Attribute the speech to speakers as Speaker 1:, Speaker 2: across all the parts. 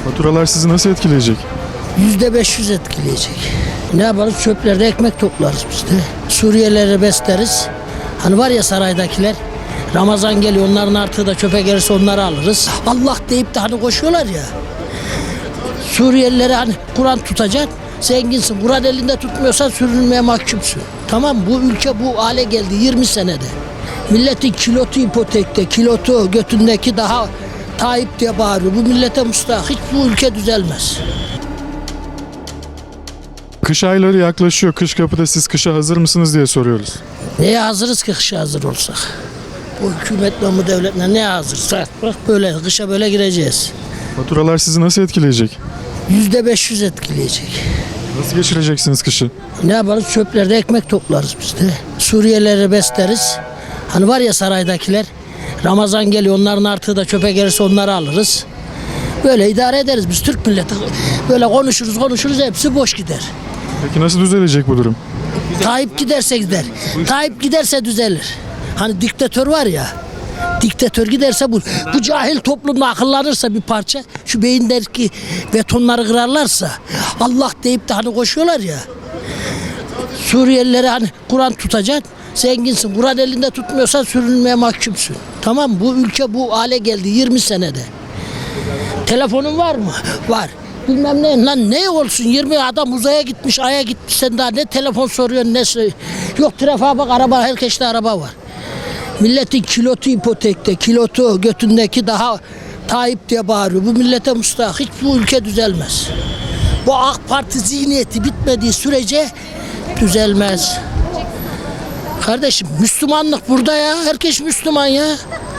Speaker 1: Faturalar sizi nasıl etkileyecek?
Speaker 2: %500 etkileyecek. Ne yaparız? Çöplerde ekmek toplarız biz de. Suriyelileri besleriz. Hani var ya saraydakiler, Ramazan geliyor, onların artığı da çöpe gelirse onları alırız. Allah deyip de hani koşuyorlar ya. Suriyelilere hani Kur'an tutacaksın, zenginsin. Kur'an elinde tutmuyorsan sürünmeye mahkumsun. Tamam, bu ülke bu hale geldi 20 senede. Milletin kilotu ipotekte, kilotu götündeki daha Tayyip diye bağırıyor. Bu millete müstahak. Hiç bu ülke düzelmez.
Speaker 1: Kış ayları yaklaşıyor. Kış kapıda, siz kışa hazır mısınız diye soruyoruz.
Speaker 2: Neye hazırız ki kışa hazır olsak? Bu hükümetle, bu devletle neye hazırsak? Bak böyle, kışa böyle gireceğiz.
Speaker 1: Faturalar sizi nasıl etkileyecek?
Speaker 2: %500 etkileyecek.
Speaker 1: Nasıl geçireceksiniz kışı?
Speaker 2: Ne yaparız? Çöplerde ekmek toplarız biz de. Suriyelileri besleriz. Hani var ya saraydakiler, Ramazan geliyor, onların artığı da çöpe gelirse onları alırız. Böyle idare ederiz biz Türk milleti. Böyle konuşuruz, hepsi boş gider.
Speaker 1: Peki nasıl düzelecek bu durum?
Speaker 2: Tayyip giderse gider. Tayyip giderse düzelir. Hani diktatör var ya. Diktatör giderse bu cahil toplumda akıllanırsa bir parça, şu beyindeki betonları kırarlarsa, Allah deyip de hani koşuyorlar ya. Suriyelilere hani Kur'an tutacaksın, zenginsin. Kur'an elinde tutmuyorsan sürünmeye mahkumsun. Tamam, bu ülke bu hale geldi 20 senede. Telefonun var mı? Var. Bilmem ne lan, ne olsun, 20 adam uzaya gitmiş, aya gitmiş, sen daha ne telefon soruyorsun, ne yok, trafiğe bak, araba, herkeste araba var. Milletin kilotu ipotekte, kilotu götündeki daha Tayyip diye bağırıyor. Bu millete müstahak. Hiç bu ülke düzelmez. Bu AK Parti zihniyeti bitmediği sürece düzelmez. Kardeşim, Müslümanlık burada ya. Herkes Müslüman ya.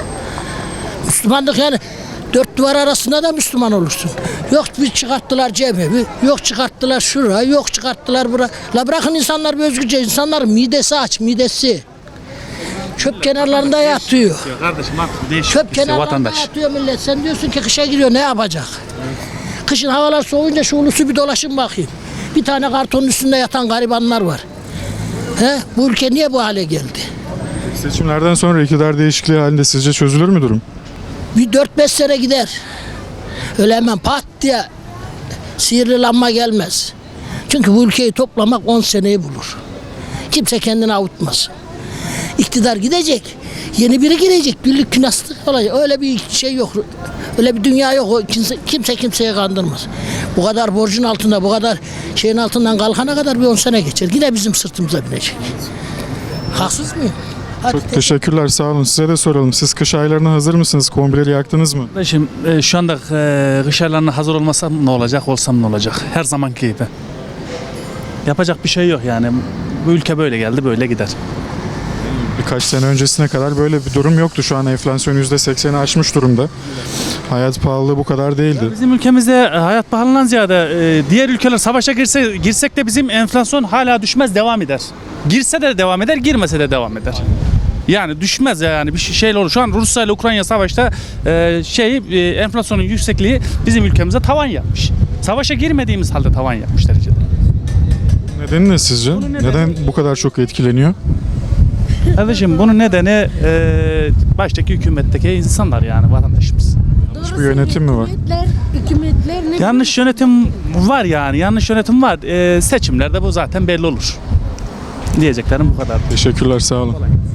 Speaker 2: Müslümanlık yani dört duvar arasında da Müslüman olursun. Yok bir çıkarttılar cemevi, yok çıkarttılar şura, yok çıkarttılar bura. La bırakın insanlar bir özgürce, insanların midesi aç, midesi. Çöp kenarlarında yatıyor.
Speaker 3: Kardeşim artık değişik
Speaker 2: Çöp kenarlarında
Speaker 3: vatandaş.
Speaker 2: yatıyor millet. Sen diyorsun ki kışa giriyor, ne yapacak? Kışın havalar soğuyunca şu ulusu bir dolaşın bakayım. Bir tane kartonun üstünde yatan garibanlar var. He? Bu ülke niye bu hale geldi?
Speaker 1: Seçimlerden sonra iktidar değişikliği halinde sizce çözülür mü durum?
Speaker 2: Bir 4-5 sene gider. Öyle hemen pat diye sihirli gelmez. Çünkü bu ülkeyi toplamak 10 seneyi bulur. Kimse kendini avutmaz. İktidar gidecek, yeni biri girecek, güllük künaslık olacak. Öyle bir şey yok, öyle bir dünya yok. Kimse kimseye kandırmaz. Bu kadar borcun altında, bu kadar şeyin altından kalkana kadar bir 10 sene geçer. Yine bizim sırtımıza binecek. Haksız mıyım? Hadi
Speaker 1: Çok teşekkürler, sağ olun. Size de soralım. Siz kış aylarına hazır mısınız? Kombileri yaktınız mı?
Speaker 3: Kardeşim şu anda kış aylarına hazır olmasam ne olacak, olsam ne olacak? Her zamanki gibi. Yapacak bir şey yok yani. Bu ülke böyle geldi, böyle gider.
Speaker 1: Birkaç sene öncesine kadar böyle bir durum yoktu. Şu an enflasyon %80'i aşmış durumda. Hayat pahalılığı bu kadar değildi.
Speaker 3: Bizim ülkemizde hayat pahalılığından ziyade diğer ülkeler savaşa girsek de bizim enflasyon hala düşmez, devam eder. Girse de devam eder, girmese de devam eder. Yani düşmez yani bir şey olur. Şu an Rusya ile Ukrayna savaşta enflasyonun yüksekliği bizim ülkemize tavan yapmış. Savaşa girmediğimiz halde tavan yapmış derecede.
Speaker 1: Nedeni ne sizce? Neden bu kadar çok etkileniyor?
Speaker 3: Kardeşim bunun nedeni baştaki hükümetteki insanlar yani vatandaşımız.
Speaker 1: Yanlış bir yönetim mi var?
Speaker 4: Hükümetler ne?
Speaker 3: Yanlış yönetim var yani. Yanlış yönetim var. Seçimlerde bu zaten belli olur. Diyeceklerim bu kadar.
Speaker 1: Teşekkürler, sağ olun.